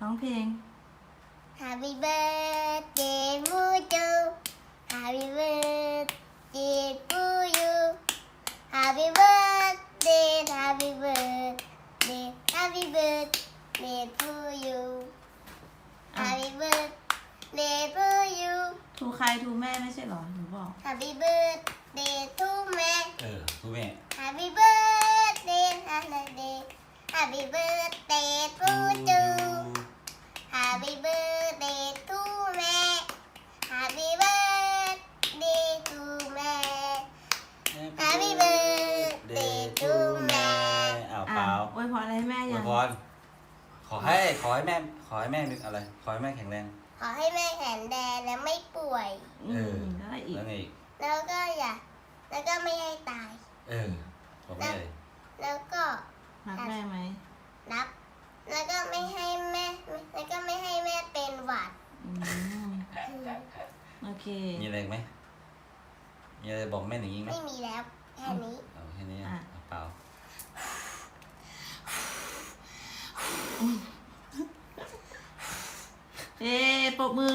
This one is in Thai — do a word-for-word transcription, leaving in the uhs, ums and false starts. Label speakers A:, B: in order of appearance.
A: ร้องเพลง
B: Happy birthday Mujo Happy birthday to you Happy birthday Happy birthday Happy birthday to you
A: อ่ะ
B: Happy birthday to you
A: ทูใครทูแม่ไม่ใช่เหรอหนูบอก
B: Happy birthday to แม่
C: เออทูแม่
B: Happy birthday Happy Happy birthday to you Happy birthday to แม่ Happy birthday to แม่ Happy birthday to แม่
C: อ้าว
A: อ่ะ
C: เปล่า
A: อวยพรอะไรให้แม่
C: อว
A: ยั
C: ย
A: ง
C: พรขอให้ขอให้แม่ขอให้แม่นึกอะไร ขอให้แม่แข็งแรง
B: ขอให้แม่แข็งแรงและไม่ป่วย
A: อื
C: เออ
A: มแล้วอะไรอีก
C: แล้วไงอีก
B: แล้วก็อย่า แล้วก็ไม่ให้ตาย
C: เออบอกแม่เลย
B: แล้วก็
A: รักแม่ไหม
B: รับ แล้วก็ไม่ให้แม่ แล้วก็ไม่ให้แม่เป็นหวัด
A: อืมโอเค
C: มีอะไรอีกไหมมีอะไรบอกแม่หนิงอีกไหม
B: ไม่มีแล้วแค่นี้
C: เอาแค่นี้
A: อ่ะ
C: เอาเปล่า
A: เอ๊ปรบมือ